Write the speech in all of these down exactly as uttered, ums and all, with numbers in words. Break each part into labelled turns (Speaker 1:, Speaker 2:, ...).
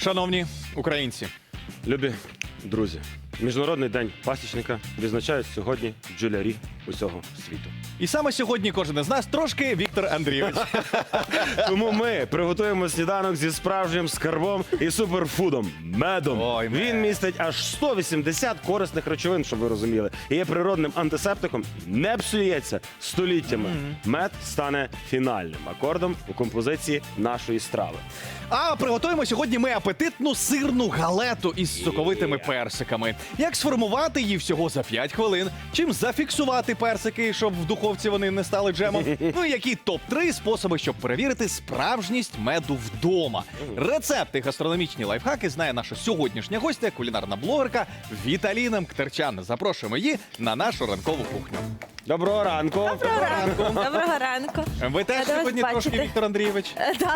Speaker 1: Шановні українці,
Speaker 2: Любі друзі, Міжнародний день пасічника відзначають сьогодні бджолярі усього світу.
Speaker 1: і саме сьогодні кожен із нас трошки Віктор Андрійович.
Speaker 2: Тому ми приготуємо сніданок зі справжнім скарбом і суперфудом – медом.
Speaker 1: Ой, мед.
Speaker 2: Він містить аж сто вісімдесят корисних речовин, щоб ви розуміли. І є природним антисептиком, не псується століттями. Мед стане фінальним акордом у композиції нашої страви.
Speaker 1: А приготуємо сьогодні ми апетитну сирну галету із соковитими персиками. Як сформувати її всього за п'ять хвилин? Чим зафіксувати персики, щоб в духовці вони не стали джемом? Ну і які топ три способи, щоб перевірити справжність меду вдома? Рецепти, гастрономічні лайфхаки знає наша сьогоднішня гостя, кулінарна блогерка Віталіна Мктерчан. Запрошуємо її на нашу ранкову кухню.
Speaker 2: Доброго ранку!
Speaker 3: Доброго ранку. Доброго ранку.
Speaker 1: Ви теж
Speaker 3: Рада вас
Speaker 1: сьогодні трошки,
Speaker 3: бачити.
Speaker 1: Віктор Андрійович?
Speaker 3: Е, да.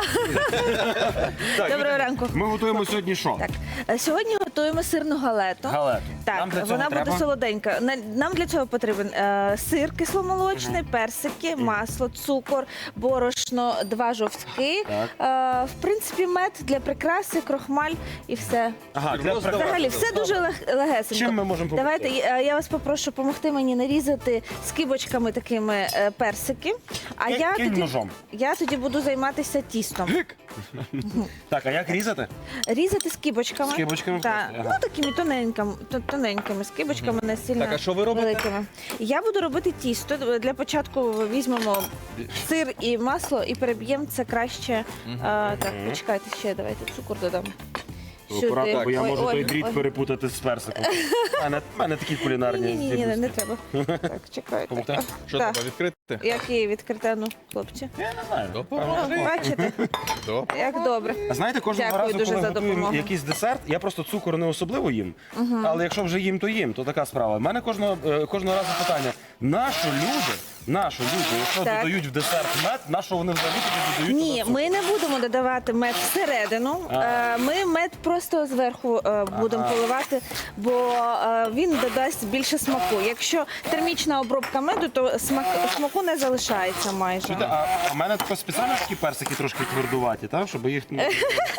Speaker 2: Так,
Speaker 3: Доброго ранку.
Speaker 2: Ми готуємо сьогодні що?
Speaker 3: Так, е, сьогодні готуємо сирну галету.
Speaker 2: Галету.
Speaker 3: Так,
Speaker 2: Нам для цього
Speaker 3: вона
Speaker 2: треба?
Speaker 3: буде солоденька. На- Нам для цього потрібен е, сир кисломолочний, персики, масло, цукор, борошно, два жовтки. Е, в принципі, мед для прикраси, крохмаль і все.
Speaker 2: Ага, для
Speaker 1: Роздавати.
Speaker 3: Взагалі, все дуже лег- легесенько.
Speaker 2: Чим ми можемо допомогти?
Speaker 3: Давайте, е, я вас попрошу допомогти мені нарізати скибочками такими е, персики. А
Speaker 2: Ки-
Speaker 3: я
Speaker 2: кинь
Speaker 3: тоді,
Speaker 2: ножом.
Speaker 3: я тоді буду займатися тістом.
Speaker 2: Так, а як різати?
Speaker 3: Різати скибочками.
Speaker 2: Скибочками
Speaker 3: Так.
Speaker 2: просто, ага.
Speaker 3: Ну, такими тоненькими, то- тоненькими скибочками, не сильно
Speaker 1: Так, а що ви робите?
Speaker 3: великими. Я буду робити тісто. Для початку візьмемо сир і масло і переб'ємо це краще. А, так, почекайте ще, давайте цукор додам.
Speaker 2: Акуратно, бо я
Speaker 3: Ой,
Speaker 2: можу
Speaker 3: ой,
Speaker 2: той дріт
Speaker 3: ой.
Speaker 2: перепутати з персиком. У мене, в мене такі кулінарні
Speaker 3: Ні, ні, ні, ні,
Speaker 2: здібності.
Speaker 3: не треба. Так, чекайте.
Speaker 2: Помогти?
Speaker 1: Що
Speaker 3: Так.
Speaker 1: треба відкрити?
Speaker 3: Як її відкрите, ну, хлопці.
Speaker 2: Я не знаю.
Speaker 1: Допоможи.
Speaker 3: Бачите,
Speaker 1: Добре.
Speaker 3: як добре.
Speaker 2: А знаєте, кожного
Speaker 3: Дякую
Speaker 2: разу,
Speaker 3: дуже
Speaker 2: коли
Speaker 3: за
Speaker 2: готуємо
Speaker 3: допомогу.
Speaker 2: якийсь десерт, я просто цукор не особливо їм. Але якщо вже їм, то їм, то така справа. У мене кожного, е, кожного разу питання, нащо люди, нащо люди, якщо
Speaker 3: Так.
Speaker 2: додають в десерт мед, нащо вони взагалі тоді додають
Speaker 3: Ні,
Speaker 2: туди
Speaker 3: ми не будемо додавати мед всередину. Е, Ми мед просто зверху е, будемо поливати, бо е, він додасть більше смаку. Якщо термічна обробка меду, то смак, смаку не залишається майже.
Speaker 2: цукор? А а в мене тако спеціально такі персики трошки твердуваті, так? Щоб їх... ну,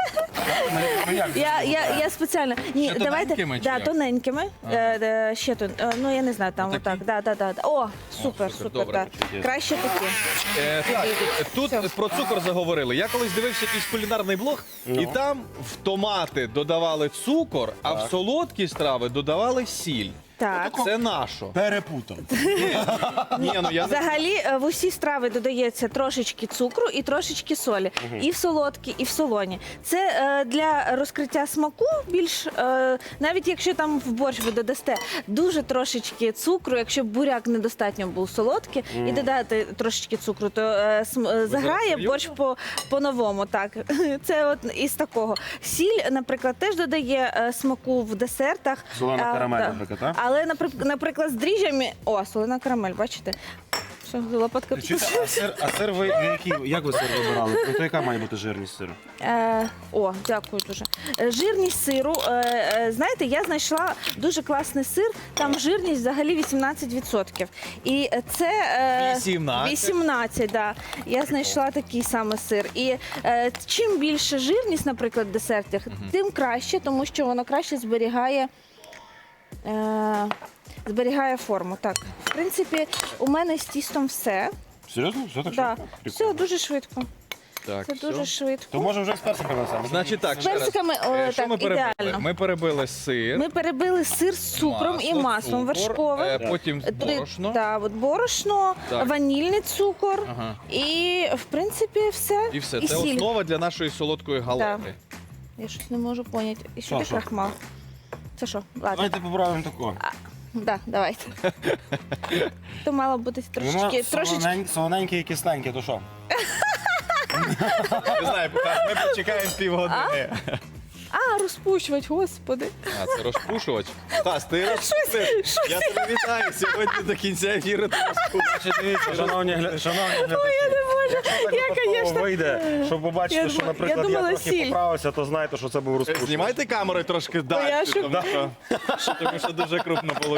Speaker 2: ну, як?
Speaker 3: Я, я, я спеціально. Ні,
Speaker 1: Ще
Speaker 3: давайте
Speaker 1: тоненькими чи
Speaker 3: да,
Speaker 1: як?
Speaker 3: тоненькими. Е, е, ще тон, е, ну я не знаю, там
Speaker 1: Отакі?
Speaker 3: отак. Да, да, да, да. О, супер,
Speaker 1: супер,
Speaker 3: супер.
Speaker 1: добре.
Speaker 3: Так. Краще такі.
Speaker 1: Е, так, е, тут
Speaker 3: Все.
Speaker 1: про цукор заговорили. Я колись дивився якийсь кулінарний блог, і там в томати додавали цукор, а в солодкі страви додавали сіль.
Speaker 3: Так.
Speaker 1: Це нашо.
Speaker 2: Перепутав.
Speaker 1: Ні, ну я не...
Speaker 3: Взагалі е, в усі страви додається трошечки цукру і трошечки солі. І в солодкі, і в солоні. Це е, для розкриття смаку більш, е, навіть якщо там в борщ ви додасте дуже трошечки цукру, якщо буряк недостатньо був солодкий, і додати трошечки цукру, то е, см- е, заграє
Speaker 1: серйозно?
Speaker 3: борщ по, по-новому. Так. Це от із такого. Сіль, наприклад, теж додає е, смаку в десертах.
Speaker 2: Солена
Speaker 3: А,
Speaker 2: карамель,
Speaker 3: да.
Speaker 2: наприклад, так?
Speaker 3: Але, наприк- наприклад, з дріжджами... О, солена карамель, бачите? Все, лопатка
Speaker 2: Чуєте, а сир, а сир ви який, як ви сир вибирали? То яка має бути жирність сиру?
Speaker 3: Е, о, дякую дуже. Е, Жирність сиру. Е, е, знаєте, я знайшла дуже класний сир, там жирність взагалі вісімнадцять відсотків. І це... Е,
Speaker 1: вісімнадцять?
Speaker 3: вісімнадцять, да. Я знайшла такий саме сир. І е, чим більше жирність, наприклад, в десертах, тим краще, тому що воно краще зберігає... Е, зберігає форму. Так, в принципі, у мене з тістом все.
Speaker 2: Серйозно? Все так
Speaker 3: Да.
Speaker 2: швидко?
Speaker 3: Все
Speaker 2: Прикольно.
Speaker 3: дуже швидко.
Speaker 1: Так,
Speaker 3: Це
Speaker 1: все.
Speaker 3: дуже швидко.
Speaker 2: То може вже з персиками саме?
Speaker 1: Значить так,
Speaker 3: З
Speaker 1: ще раз.
Speaker 3: персиками, о,
Speaker 1: Е, що
Speaker 3: так,
Speaker 1: ми перебили?
Speaker 3: ідеально.
Speaker 1: Ми перебили сир,
Speaker 3: Ми перебили сир з цукром і
Speaker 1: масло,
Speaker 3: маслом
Speaker 1: цукор,
Speaker 3: вершковим.
Speaker 1: е, потім
Speaker 3: Три-
Speaker 1: борошно.
Speaker 3: Да, от борошно,
Speaker 1: Так.
Speaker 3: ванільний цукор
Speaker 1: Ага.
Speaker 3: і, в принципі, все.
Speaker 1: І все.
Speaker 3: І
Speaker 1: Це
Speaker 3: сіль.
Speaker 1: основа для нашої солодкої галети.
Speaker 3: Я щось не можу поняти. І сюди
Speaker 2: що?
Speaker 3: крахмал. Це що? Ладно.
Speaker 2: Давайте поправимо такого.
Speaker 3: Да, давайте. То мало бути трошечки,
Speaker 2: Воно
Speaker 3: трошечки.
Speaker 2: солонень- солоненьке і кисленьке, то що?
Speaker 1: Не знаю, поки ми почекаємо півгодини.
Speaker 3: А, розпущувати, господи.
Speaker 1: А, це розпушувач. Тас, ти розпустив. Я тебе вітаю. Сьогодні до кінця ефіру ти розпушиш.
Speaker 2: Дивіться, шановні гля- шановні глядачі,
Speaker 3: Я,
Speaker 2: якщо
Speaker 3: конечно,
Speaker 2: випадково вийде, щоб побачити,
Speaker 3: я
Speaker 2: що,
Speaker 3: думала-
Speaker 2: наприклад,
Speaker 3: я
Speaker 2: я,
Speaker 3: думала,
Speaker 2: трохи
Speaker 3: сіль.
Speaker 2: поправився, то знайте, що це був розпушувач.
Speaker 1: Знімайте камеру трошки
Speaker 3: я
Speaker 1: далі,
Speaker 3: шок-
Speaker 1: тому що, тому що дуже крупно вийшло.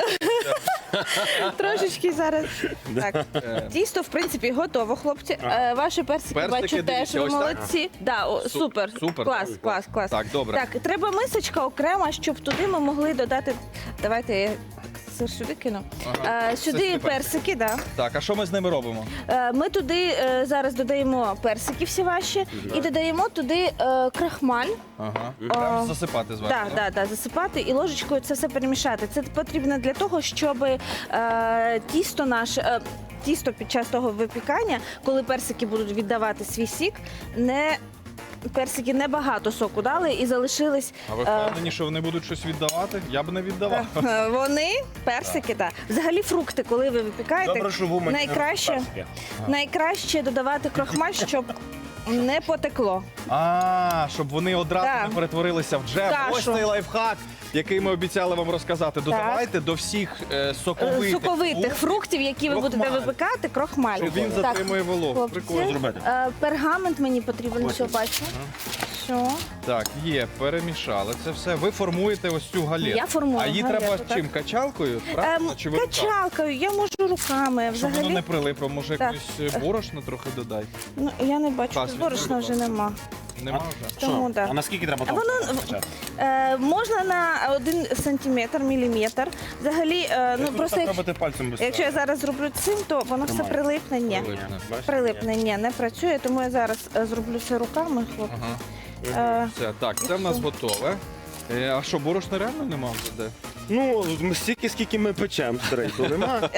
Speaker 3: Трошечки зараз. Так. Тісто, в принципі, готово, хлопці. Е, Ваші персики,
Speaker 1: Персики,
Speaker 3: бачу, теж
Speaker 1: дивіться,
Speaker 3: ви
Speaker 1: ось так?
Speaker 3: молодці. Да, о, супер.
Speaker 1: супер.
Speaker 3: Клас, клас, клас.
Speaker 1: Так, добре.
Speaker 3: Так, треба мисочка окрема, щоб туди ми могли додати. Давайте я сир сюди кину.
Speaker 1: Ага.
Speaker 3: Е, Сюди
Speaker 1: Це
Speaker 3: персики, да.
Speaker 1: Так, а що ми з ними робимо?
Speaker 3: Е, Ми туди е, зараз додаємо персики всі ваші і додаємо туди е, крахмаль.
Speaker 1: Ага.
Speaker 3: О,
Speaker 1: Прям засипати зверху.
Speaker 3: Так, да, да, засипати і ложечкою це все перемішати. Це потрібно для того, щоб е, тісто наше. Е, Тісто під час того випікання, коли персики будуть віддавати свій сік, не персики небагато соку дали і залишились.
Speaker 1: А ви
Speaker 3: е,
Speaker 1: впевнені, що вони будуть щось віддавати? Я б не віддавав.
Speaker 3: е, Вони персики, так. Взагалі фрукти, коли ви випікаєте,
Speaker 2: Добре, що в Умані
Speaker 3: найкраще,
Speaker 2: персики.
Speaker 3: найкраще додавати крохмаль, щоб не потекло.
Speaker 1: А, щоб вони одразу
Speaker 3: Так.
Speaker 1: не перетворилися в джем.
Speaker 3: Кашу.
Speaker 1: Ось цей лайфхак, який ми обіцяли вам розказати. Додавайте до всіх е,
Speaker 3: Е,
Speaker 1: соковитих,
Speaker 3: Соковитих фруктів, які ви
Speaker 1: крохмаль.
Speaker 3: будете випікати, крохмаль.
Speaker 1: Щоб він
Speaker 3: Так,
Speaker 1: затримує вологу.
Speaker 3: хлопці,
Speaker 1: Прикольно.
Speaker 2: зробити.
Speaker 3: е, Пергамент мені потрібен,
Speaker 2: Ось.
Speaker 3: що бачу. Що?
Speaker 1: Так, є, перемішали це все. Ви формуєте ось цю галету.
Speaker 3: Я формую
Speaker 1: А її
Speaker 3: галету,
Speaker 1: треба
Speaker 3: так.
Speaker 1: чим? Качалкою?
Speaker 3: Ем,
Speaker 1: Правильно? Чи ви руками?
Speaker 3: качалкою, я можу руками.
Speaker 1: Щоб воно
Speaker 3: Взагалі,
Speaker 1: не прилипло, може
Speaker 3: Так.
Speaker 1: якусь е, борошно трохи додай?
Speaker 3: ну, я не бачу,
Speaker 1: Пас,
Speaker 3: тут борошна
Speaker 1: візьми,
Speaker 3: вже
Speaker 1: будь
Speaker 3: нема.
Speaker 1: Нема вже?
Speaker 3: Тому,
Speaker 2: Що?
Speaker 3: да.
Speaker 2: А наскільки треба
Speaker 3: А
Speaker 2: того?
Speaker 3: воно- Е, можна на один сантиметр, міліметр. Взагалі, е, ну просто як-
Speaker 2: робити пальцем без
Speaker 3: якщо я зараз зроблю цим, то воно все
Speaker 2: Тримай.
Speaker 3: прилипне. Ні.
Speaker 1: Прилипне.
Speaker 3: Прилипне, ні, не працює, тому я зараз е, зроблю це руками, хлопці.
Speaker 1: Ага.
Speaker 3: Е,
Speaker 1: Все, так, це в нас готове. Е, а що, борошна реально нема вже де?
Speaker 2: Ну, ми стільки, скільки ми печемо, старий, то нема.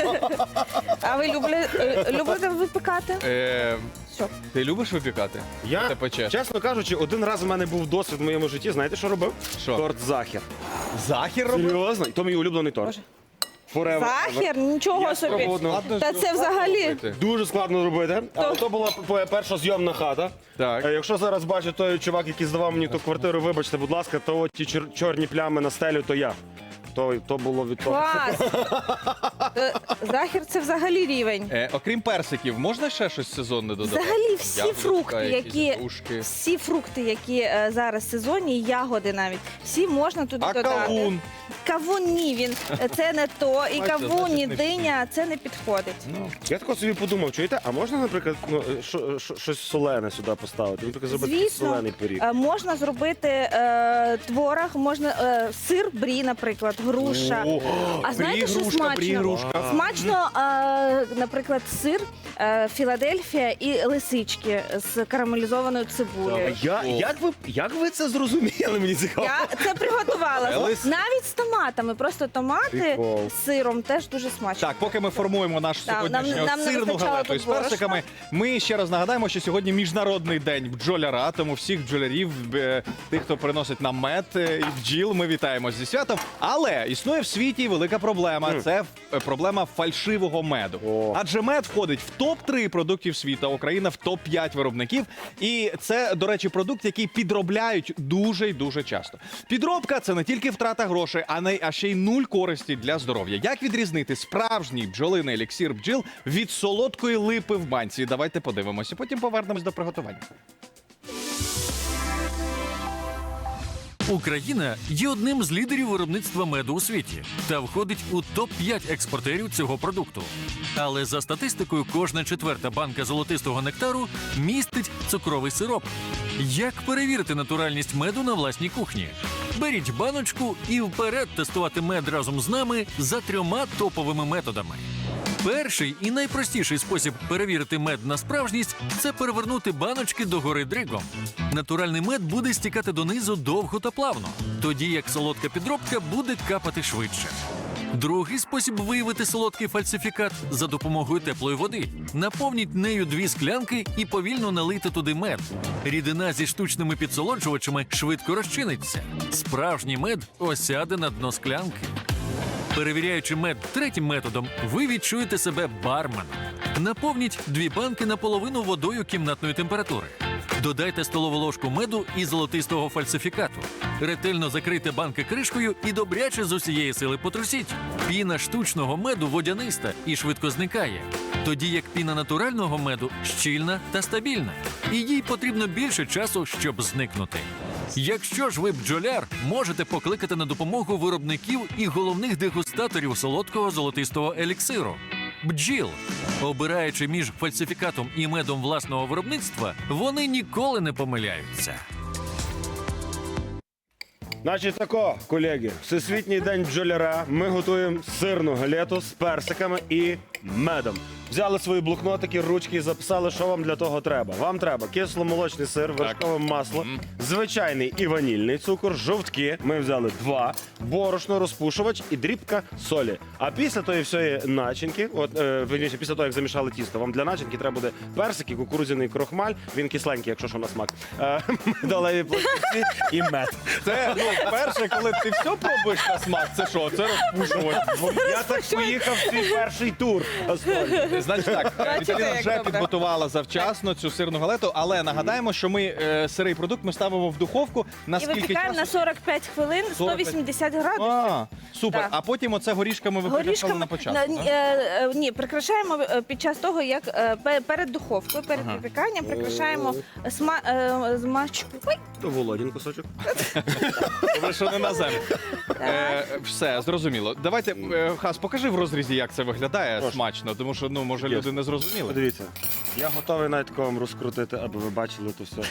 Speaker 3: а ви любли- е, любите випікати?
Speaker 1: Е,
Speaker 3: Все.
Speaker 1: ти любиш випікати?
Speaker 2: Я,
Speaker 1: Ти печеш?
Speaker 2: чесно кажучи, один раз в мене був досвід в моєму житті. Знаєте, що робив?
Speaker 1: Що?
Speaker 2: Торт захір.
Speaker 1: Захір робиш?
Speaker 2: Серйозно? І то мій улюблений торт.
Speaker 3: Боже.
Speaker 2: Forever.
Speaker 3: Захір? Нічого
Speaker 2: Я
Speaker 3: собі.
Speaker 2: спробував одного.
Speaker 1: Ладно,
Speaker 3: Та
Speaker 1: що
Speaker 3: це взагалі.
Speaker 1: робити?
Speaker 2: Дуже складно робити, але
Speaker 3: То-
Speaker 2: то була п- перша зйомна хата.
Speaker 1: Так.
Speaker 2: Е, Якщо зараз бачить той чувак, який здавав мені ту квартиру, вибачте, будь ласка, то от ті чор- чорні плями на стелю, то я. То, то було від того.
Speaker 3: Клас! Е, Захір це взагалі рівень.
Speaker 1: Е, окрім персиків, можна ще щось сезонне додати?
Speaker 3: Взагалі всі
Speaker 1: Яблучка,
Speaker 3: фрукти,
Speaker 1: якісь
Speaker 3: які
Speaker 1: грушки.
Speaker 3: всі фрукти, які е, зараз сезонні, ягоди навіть, всі можна туди
Speaker 1: А
Speaker 3: додати.
Speaker 1: кавун?
Speaker 3: Кавун ні, він е, це не то, і
Speaker 1: Бачите,
Speaker 3: кавун, і
Speaker 1: значить, не всі.
Speaker 3: диня, це не підходить.
Speaker 1: Ну,
Speaker 2: Я тако собі подумав, чуєте, а можна, наприклад, ну, що- що- щось солене сюди поставити? Наприклад, зробити такий
Speaker 3: Звісно,
Speaker 2: солений пиріг.
Speaker 3: е, можна зробити е, творог, можна е, сир брі, наприклад, груша.
Speaker 1: О,
Speaker 3: А знаєте,
Speaker 1: брі,
Speaker 3: що
Speaker 1: грушка,
Speaker 3: смачно?
Speaker 1: брі, грушка.
Speaker 3: Смачно, е, наприклад, сир, е, Філадельфія і лисички з карамелізованою цибулею.
Speaker 2: Я, як, ви, як ви це зрозуміли? Мені цікаво.
Speaker 3: Я це приготувала.
Speaker 1: Елис?
Speaker 3: Навіть з томатами. Просто томати
Speaker 2: Прикол.
Speaker 3: з сиром теж дуже смачно.
Speaker 1: Так, поки ми формуємо нашу
Speaker 3: Так,
Speaker 1: сьогоднішню
Speaker 3: нам- нам не
Speaker 1: сирну
Speaker 3: вистачало
Speaker 1: галету
Speaker 3: тут
Speaker 1: із персиками, ми ще раз нагадаємо, що сьогодні міжнародний день бджоляра, тому всіх бджолярів, е, тих, хто приносить нам мед е, і бджіл, ми вітаємо зі святом. Але існує в світі велика проблема. Це е, проблема фальшивого меду.
Speaker 2: О.
Speaker 1: Адже мед входить в топ три продуктів світу, Україна в топ п'ять виробників. І це, до речі, продукт, який підробляють дуже й дуже часто. Підробка це не тільки втрата грошей, а не а ще й нуль користі для здоров'я. Як відрізнити справжній бджолиний еліксир бджіл від солодкої липи в банці? Давайте подивимося. Потім повернемось до приготування.
Speaker 4: Україна є одним з лідерів виробництва меду у світі та входить у топ п'ять експортерів цього продукту. Але за статистикою, кожна четверта банка золотистого нектару містить цукровий сироп. Як перевірити натуральність меду на власній кухні? Беріть баночку і вперед тестувати мед разом з нами за трьома топовими методами. Перший і найпростіший спосіб перевірити мед на справжність – це перевернути баночки догори дригом. Натуральний мед буде стікати донизу довго та плавно, тоді як солодка підробка буде капати швидше. Другий спосіб виявити солодкий фальсифікат – за допомогою теплої води. Наповніть нею дві склянки і повільно налийте туди мед. Рідина зі штучними підсолоджувачами швидко розчиниться. Справжній мед осяде на дно склянки. Перевіряючи мед третім методом, ви відчуєте себе барменом. Наповніть дві банки наполовину водою кімнатної температури. Додайте столову ложку меду і золотистого фальсифікату. Ретельно закрийте банки кришкою і добряче з усієї сили потрусіть. Піна штучного меду водяниста і швидко зникає, тоді як піна натурального меду щільна та стабільна. І їй потрібно більше часу, щоб зникнути. Якщо ж ви бджоляр, можете покликати на допомогу виробників і головних дегустаторів солодкого золотистого еліксиру. Бджіл. Обираючи між фальсифікатом і медом власного виробництва, вони ніколи не помиляються.
Speaker 2: Значить тако, колеги, Всесвітній день бджоляра. Ми готуємо сирну галету з персиками і медом. Взяли свої блокнотики, ручки і записали, що вам для того треба. Вам треба кисломолочний сир, вершкове масло, звичайний і ванільний цукор, жовтки. Ми взяли два, борошно, розпушувач і дрібка солі. А після тої всієї начинки, от е, вірніше, після того, як замішали тісто, вам для начинки треба буде персики, кукурудзяний крохмаль, він кисленький, якщо що на смак, е, медалеві пластівці і мед.
Speaker 1: Це, ну, перше, коли ти все пробуєш на смак, це що? Це розпушувач.
Speaker 2: Я так поїхав в свій перший тур. Асторії.
Speaker 1: Значить так,
Speaker 3: Бачите,
Speaker 1: Віталіна
Speaker 3: як
Speaker 1: вже
Speaker 3: добре.
Speaker 1: підготувала завчасно цю сирну галету, але нагадаємо, що ми е, сирий продукт ми ставимо в духовку на
Speaker 3: І
Speaker 1: скільки
Speaker 3: випікаємо на
Speaker 1: часу?
Speaker 3: сорок п'ять хвилин, сто вісімдесят градусів.
Speaker 1: А, супер.
Speaker 3: Так.
Speaker 1: А потім оце горішками ви прикрашали
Speaker 3: Горішками
Speaker 1: на початку.
Speaker 3: на-
Speaker 1: так?
Speaker 3: е, е, ні, прикрашаємо е, під час того, як е, пе- перед духовкою, перед випіканням прикрашаємо сма, е, змачку. Ой,
Speaker 2: Володін кусочок.
Speaker 1: Ви що не на землю. Е, все, зрозуміло. Давайте, е, Хас, покажи в розрізі, як це виглядає
Speaker 2: Прошу.
Speaker 1: смачно, тому що, ну, може,
Speaker 2: Є.
Speaker 1: люди не зрозуміли.
Speaker 2: Подивіться, я готовий навіть такого вам розкрутити, аби ви бачили то все.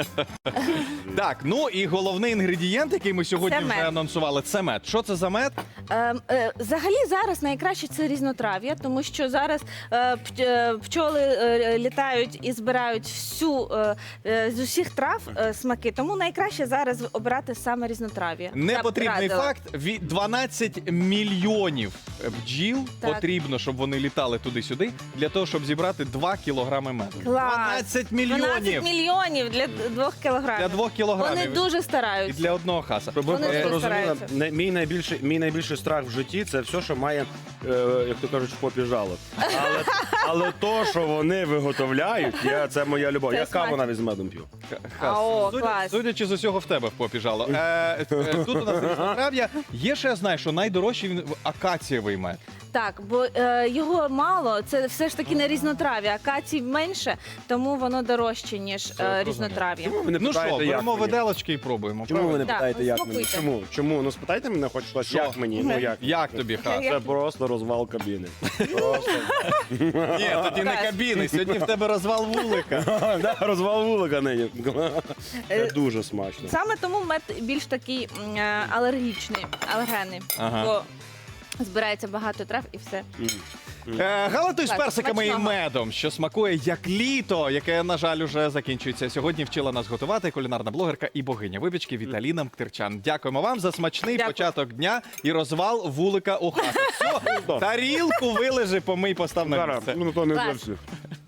Speaker 1: Так, ну і головний інгредієнт, який ми сьогодні
Speaker 3: Це
Speaker 1: вже
Speaker 3: мед.
Speaker 1: анонсували, це мед. Що це за мед?
Speaker 3: Е, е, Взагалі зараз найкраще це різнотрав'я, тому що зараз е, п- е, пчоли е, літають і збирають всю е, е, з усіх трав е, смаки. Тому найкраще зараз обирати саме різнотрав'я. Я б
Speaker 1: Непотрібний
Speaker 3: радила.
Speaker 1: факт: від дванадцять мільйонів бджіл
Speaker 3: Так.
Speaker 1: потрібно, щоб вони літали туди-сюди, для того, щоб зібрати два кілограми меду.
Speaker 3: Клас.
Speaker 1: дванадцять мільйонів
Speaker 3: дванадцять мільйонів для двох кілограмів.
Speaker 1: для двох кілограмів.
Speaker 3: Вони дуже
Speaker 1: І
Speaker 3: стараються.
Speaker 1: для одного хаса.
Speaker 2: Щоб ви
Speaker 3: Вони
Speaker 2: просто
Speaker 3: дуже
Speaker 2: розуміли,
Speaker 3: стараються.
Speaker 2: не- мій найбільший, мій найбільший страх в житті це все, що має, е, як то кажуть, в попі жало. Але, але то, що вони виготовляють, я, це моя любов.
Speaker 3: Це
Speaker 2: Я каву
Speaker 3: смачно.
Speaker 2: навіть з медом п'ю.
Speaker 1: Хас,
Speaker 3: А, о,
Speaker 1: судя-
Speaker 3: клас.
Speaker 1: Судячи з усього, в тебе в попі жало. Е, е, тут у нас різнотрав'я. Є ще, я знаю, що найдорожчий він акацієвий мед.
Speaker 3: Так, бо е, його мало, це все ж таки не різнотрав'я, акацій менше, тому воно дорожче, ніж е,
Speaker 1: зрозуміло.
Speaker 3: різнотрав'я.
Speaker 2: Чому ви не
Speaker 1: Ну що,
Speaker 2: питаєте, як
Speaker 1: беремо
Speaker 2: мені?
Speaker 1: виделочки і пробуємо.
Speaker 2: Чому ви
Speaker 1: правильно?
Speaker 2: не
Speaker 3: Так,
Speaker 2: питаєте, як мені?
Speaker 3: смакуйте.
Speaker 2: Чому? Чому? Ну спитайте мене хоч щось,
Speaker 1: Що?
Speaker 2: як мені? Ну як?
Speaker 1: Як тобі, Хас?
Speaker 2: Це просто розвал кабіни. Просто.
Speaker 1: Ні, тоді не
Speaker 3: Хас.
Speaker 1: кабіни, сьогодні в тебе розвал вулика.
Speaker 2: Да, розвал вулика нині. Це
Speaker 3: Е,
Speaker 2: дуже смачно.
Speaker 3: Саме тому мед більш такий м, е, алергічний, алергенний,
Speaker 1: Ага.
Speaker 3: бо збирається багато трав і все.
Speaker 1: Е, Галатуй з
Speaker 3: Так,
Speaker 1: персиками і
Speaker 3: смачного.
Speaker 1: медом, що смакує як літо, яке, на жаль, уже закінчується. Сьогодні вчила нас готувати кулінарна блогерка і богиня випічки Віталіна Мктерчан. Дякуємо вам за смачний
Speaker 3: Дякую.
Speaker 1: початок дня і розвал вулика у хату. Все, тарілку вилежи, помий, постав на
Speaker 2: Зараз,
Speaker 1: місце.
Speaker 2: ну то не
Speaker 3: Клас.
Speaker 2: зовсім.